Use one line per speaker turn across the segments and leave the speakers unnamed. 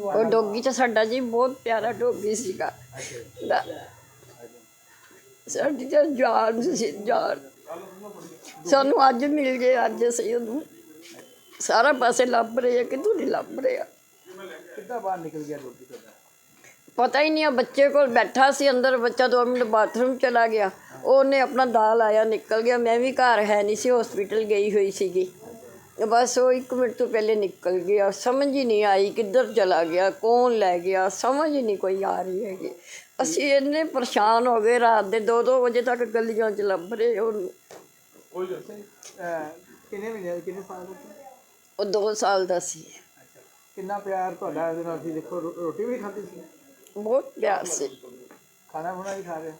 ਉਹ ਡੋਗੀ ਤਾਂ ਸਾਡਾ ਜੀ ਬਹੁਤ ਪਿਆਰਾ ਡੋਗੀ ਸੀਗਾ। ਸਾਡੀ ਤਾਂ ਜਾਨ ਸੀ, ਜਾਨ। ਸਾਨੂੰ ਅੱਜ ਮਿਲ ਗਏ, ਅੱਜ ਅਸੀਂ ਉਹਨੂੰ ਸਾਰਾ ਪਾਸੇ ਲੱਭ ਰਹੇ ਆ, ਕਿਤੋਂ ਨਹੀਂ ਲੱਭ ਰਿਹਾ।
ਕਿੱਦਾਂ ਬਾਹਰ ਨਿਕਲ ਗਿਆ ਡੋਗੀ ਤੁਹਾਡਾ?
ਪਤਾ ਹੀ ਨਹੀਂ ਆ, ਬੱਚੇ ਕੋਲ ਬੈਠਾ ਸੀ ਅੰਦਰ, ਬੱਚਾ 2 ਮਿੰਟ ਬਾਥਰੂਮ ਚਲਾ ਗਿਆ, ਉਹਨੇ ਆਪਣਾ ਦਾਲ ਲਾਇਆ ਨਿਕਲ ਗਿਆ। ਮੈਂ ਵੀ ਘਰ ਹੈ ਨਹੀਂ ਸੀ, ਹੌਸਪੀਟਲ ਗਈ ਹੋਈ ਸੀਗੀ। ਬਸ ਉਹ 1 ਮਿੰਟ ਤੋਂ ਪਹਿਲੇ ਨਿਕਲ ਗਿਆ। ਸਮਝ ਹੀ ਨਹੀਂ ਆਈ ਕਿੱਧਰ ਚਲਾ ਗਿਆ, ਕੌਣ ਲੈ ਗਿਆ, ਸਮਝ ਹੀ ਨਹੀਂ ਕੋਈ ਆ ਰਹੀ ਹੈਗੀ। ਅਸੀਂ ਇੰਨੇ ਪਰੇਸ਼ਾਨ ਹੋ ਗਏ, ਰਾਤ ਦੇ 2-2 ਵਜੇ ਤੱਕ ਗਲੀਆਂ 'ਚ ਲੱਭ ਰਹੇ ਉਹਨੂੰ।
ਕਿੰਨੇ ਮਹੀਨੇ ਕਿੰਨੇ ਸਾਲ ਦਾ?
ਉਹ 2 ਸਾਲ ਦਾ ਸੀ।
ਕਿੰਨਾ ਪਿਆਰ ਤੁਹਾਡਾ ਇਹਦੇ ਨਾਲ ਸੀ। ਦੇਖੋ ਰੋਟੀ ਵੀ ਖਾਂਦੀ ਸੀ,
ਬਹੁਤ ਪਿਆਰ ਸੀ।
ਖਾਣਾ ਖੁਣਾ ਵੀ ਖਾ ਰਹੇ?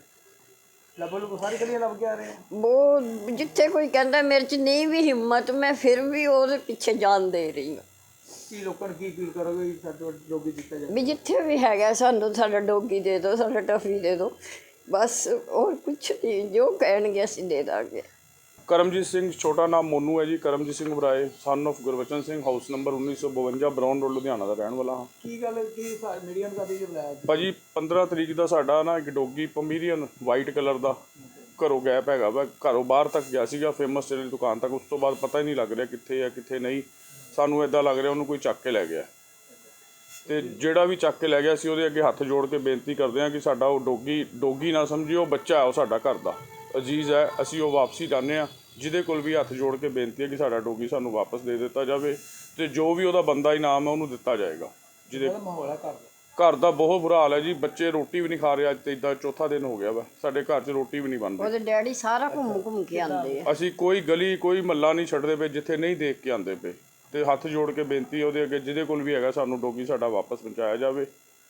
ਲੱਭੋ ਸਾਰੀ ਗਲੀਆਂ ਲੱਭ ਕੇ ਆ ਰਹੇ?
ਬਹੁਤ, ਜਿੱਥੇ ਕੋਈ ਕਹਿੰਦਾ ਮੇਰੇ 'ਚ ਨਹੀਂ ਵੀ ਹਿੰਮਤ, ਮੈਂ ਫਿਰ ਵੀ ਉਹਦੇ ਪਿੱਛੇ ਜਾਨ ਦੇ ਰਹੀ ਹਾਂ।
ਕੀ ਲੋਕਾਂ ਨੂੰ ਕੀ ਅਪੀਲ ਕਰੋਗੇ ਸਾਡਾ ਡੋਗੀ ਦਿੱਤਾ ਜਾਵੇ?
ਵੀ ਜਿੱਥੇ ਵੀ ਹੈਗਾ ਸਾਨੂੰ ਸਾਡਾ ਡੋਗੀ ਦੇ ਦਿਓ, ਸਾਡਾ ਟਫੀ ਦੇ ਦਿਓ, ਬਸ ਹੋਰ ਕੁਛ ਨਹੀਂ। ਜੋ ਕਹਿਣਗੇ ਅਸੀਂ ਦੇ ਦਾਂਗੇ।
ਕਰਮਜੀਤ ਸਿੰਘ, ਛੋਟਾ ਨਾਮ ਮੋਨੂ ਹੈ ji. Karamjit Singh Barai, son of Gurbachan Singh, house number 1952, Brown Road, Ludhiana ਦਾ ਰਹਿਣ ਵਾਲਾ ਹਾਂ।
ਕੀ ਗੱਲ ਕੀ ਮੀਡੀਆ ਨੂੰ ਕਦੀ ਬੁਲਾਇਆ
ਭਾਜੀ 15 ਤਰੀਕ ਦਾ ਸਾਡਾ ਨਾ ਇੱਕ ਡੋਗੀ ਪਮੀਰੀਅਨ ਵਾਈਟ ਕਲਰ ਦਾ ਘਰੋਂ ਗਾਇਬ ਹੈਗਾ ਵਾ। ਘਰੋਂ ਬਾਹਰ ਤੱਕ ਗਿਆ ਸੀਗਾ, ਫੇਮਸ ਤੇਲ ਦੀ ਦੁਕਾਨ ਤੱਕ। ਉਸ ਤੋਂ ਬਾਅਦ ਪਤਾ ਹੀ ਨਹੀਂ ਲੱਗ ਰਿਹਾ ਕਿੱਥੇ ਹੈ ਕਿੱਥੇ ਨਹੀਂ। ਸਾਨੂੰ ਇੱਦਾਂ ਲੱਗ ਰਿਹਾ ਉਹਨੂੰ ਕੋਈ ਚੱਕ ਕੇ ਲੈ ਗਿਆ, ਅਤੇ ਜਿਹੜਾ ਵੀ ਚੱਕ ਕੇ ਲੈ ਗਿਆ ਸੀ ਉਹਦੇ ਅੱਗੇ ਹੱਥ ਜੋੜ ਕੇ ਬੇਨਤੀ ਕਰਦੇ ਹਾਂ ਕਿ ਸਾਡਾ ਉਹ ਡੋਗੀ ਨਾ ਸਮਝਿਓ, ਬੱਚਾ ਹੈ ਉਹ ਸਾਡਾ ਘਰ ਦਾ ਅਜ਼ੀਜ਼ ਹੈ। ਅਸੀਂ ਉਹ ਵਾਪਸੀ ਚਾਹੁੰਦੇ ਹਾਂ। ਜਿਹਦੇ ਕੋਲ ਵੀ ਹੱਥ ਜੋੜ ਕੇ ਬੇਨਤੀ ਹੈ ਕਿ ਸਾਡਾ ਡੋਗੀ ਸਾਨੂੰ ਵਾਪਸ ਦੇ ਦਿੱਤਾ ਜਾਵੇ, ਅਤੇ ਜੋ ਵੀ ਉਹਦਾ ਬੰਦਾ ਇਨਾਮ ਹੈ ਉਹਨੂੰ ਦਿੱਤਾ ਜਾਏਗਾ। ਜਿਹਦੇ
ਮਾਹੌਲ ਹੈ
ਘਰ ਦਾ ਬਹੁਤ ਬੁਰਾ ਹਾਲ ਹੈ ਜੀ। ਬੱਚੇ ਰੋਟੀ ਵੀ ਨਹੀਂ ਖਾ ਰਹੇ। ਅੱਜ ਤੇ ਇੱਦਾਂ 4ਥਾ ਦਿਨ ਹੋ ਗਿਆ ਵਾ, ਸਾਡੇ ਘਰ 'ਚ ਰੋਟੀ ਵੀ ਨਹੀਂ ਬਣ ਰਹੀ।
ਉਹਦੇ ਡੈਡੀ ਸਾਰਾ ਘੁੰਮ ਕੇ ਆਉਂਦੇ ਆ।
ਅਸੀਂ ਕੋਈ ਗਲੀ ਕੋਈ ਮਹੱਲਾ ਨਹੀਂ ਛੱਡਦੇ ਪਏ ਜਿੱਥੇ ਨਹੀਂ ਦੇਖ ਕੇ ਆਉਂਦੇ ਪਏ, ਅਤੇ ਹੱਥ ਜੋੜ ਕੇ ਬੇਨਤੀ ਉਹਦੇ ਅੱਗੇ ਜਿਹਦੇ ਕੋਲ ਵੀ ਹੈਗਾ ਸਾਨੂੰ ਡੋਗੀ ਸਾਡਾ ਵਾਪਸ ਪਹੁੰਚਾਇਆ ਜਾਵੇ।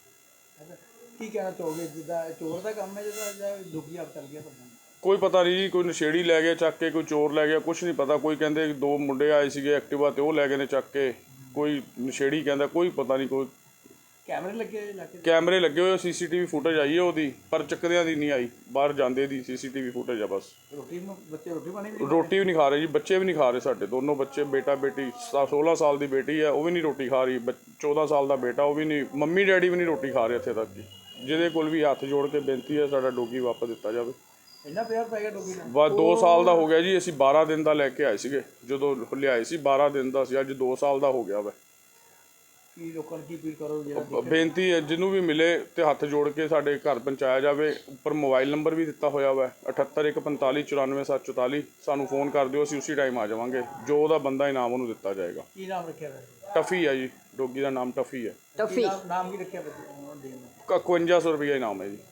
ਕੀ ਕਹਿਣਾ ਚਾਹੋਗੇ? ਜਿੱਦਾਂ ਚੋਰ ਦਾ ਕੰਮ ਹੈ, ਜਿਹਦਾ ਡੋਗੀ ਆਪ ਚੱਲ ਗਿਆ ਤੁਹਾਡਾ?
ਕੋਈ ਪਤਾ ਨਹੀਂ ਜੀ, ਕੋਈ ਨਸ਼ੇੜੀ ਲੈ ਗਿਆ ਚੱਕ ਕੇ, ਕੋਈ ਚੋਰ ਲੈ ਗਿਆ, ਕੁਛ ਨਹੀਂ ਪਤਾ। ਕੋਈ ਕਹਿੰਦੇ 2 ਮੁੰਡੇ ਆਏ ਸੀਗੇ ਐਕਟਿਵਾ 'ਤੇ, ਉਹ ਲੈ ਗਏ ਨੇ ਚੱਕ ਕੇ। ਕੋਈ ਨਸ਼ੇੜੀ ਕਹਿੰਦਾ, ਕੋਈ ਪਤਾ ਨਹੀਂ। ਕੋਈ
ਕੈਮਰੇ ਲੱਗੇ ਹੋਏ?
ਕੈਮਰੇ ਲੱਗੇ ਹੋਏ, CCTV ਫੁਟੇਜ ਆਈ ਹੈ ਉਹਦੀ, ਪਰ ਚੱਕਦਿਆਂ ਦੀ ਨਹੀਂ ਆਈ। ਬਾਹਰ ਜਾਂਦੇ ਦੀ CCTV ਫੁਟੇਜ ਆ ਬਸ।
ਬੱਚੇ
ਰੋਟੀ ਵੀ ਨਹੀਂ ਖਾ ਰਹੇ ਜੀ। ਬੱਚੇ ਵੀ ਨਹੀਂ ਖਾ ਰਹੇ ਸਾਡੇ ਦੋਨੋਂ ਬੱਚੇ। ਬੇਟਾ ਬੇਟੀ, 16 ਸਾਲ ਦੀ ਬੇਟੀ ਹੈ, ਉਹ ਵੀ ਨਹੀਂ ਰੋਟੀ ਖਾ ਰਹੀ। 14 ਸਾਲ ਦਾ ਬੇਟਾ, ਉਹ ਵੀ ਨਹੀਂ। ਮੰਮੀ ਡੈਡੀ ਵੀ ਨਹੀਂ ਰੋਟੀ ਖਾ ਰਹੇ ਇੱਥੇ ਤੱਕ ਜੀ। ਜਿਹਦੇ ਕੋਲ ਵੀ ਹੱਥ ਜੋੜ ਕੇ ਬੇਨਤੀ ਹੈ ਸਾਡਾ ਡੋਗੀ ਵਾਪਸ ਦਿੱਤਾ ਜਾਵੇ।
ਇੰਨਾ ਪਿਆਰ ਪੈ ਗਿਆ ਡੋਗੀ ਨਾਲ?
ਬਸ 2 ਸਾਲ ਦਾ ਹੋ ਗਿਆ ਜੀ। ਅਸੀਂ 12 ਦਿਨ ਦਾ ਲੈ ਕੇ ਆਏ ਸੀਗੇ, ਜਦੋਂ ਲਿਆਏ ਸੀ 12 ਦਿਨ ਦਾ ਸੀ। ਅੱਜ 2 ਸਾਲ ਦਾ ਹੋ ਗਿਆ ਵਾ।
ਕੀ ਲੋਕਾਂ ਨੂੰ ਕੀ ਅਪੀਲ ਕਰੋ? ਜਿਹੜਾ
ਬੇਨਤੀ ਹੈ ਜਿਹਨੂੰ ਵੀ ਮਿਲੇ ਤੇ ਹੱਥ ਜੋੜ ਕੇ ਸਾਡੇ ਘਰ ਪਹੁੰਚਾਇਆ ਜਾਵੇ। ਉੱਪਰ ਮੋਬਾਈਲ ਨੰਬਰ ਵੀ ਦਿੱਤਾ ਹੋਇਆ ਵਾ 7815494744। ਸਾਨੂੰ ਫੋਨ ਕਰ ਦਿਓ, ਅਸੀਂ ਉਸੇ ਟਾਈਮ ਆ ਜਾਵਾਂਗੇ। ਜੋ ਉਹਦਾ ਬੰਦਾ ਇਨਾਮ ਉਹਨੂੰ ਦਿੱਤਾ ਜਾਏਗਾ।
ਕੀ ਨਾਮ ਰੱਖਿਆ ਹੋਇਆ?
ਟਫੀ ਹੈ ਜੀ, ਡੋਗੀ ਦਾ ਨਾਮ ਟਫੀ ਹੈ।
ਟਫੀ
ਨਾਮ ਕੀ ਰੱਖਿਆ ਬੱਚੇ?
5100 ਰੁਪਈਆ ਇਨਾਮ ਹੈ ਜੀ।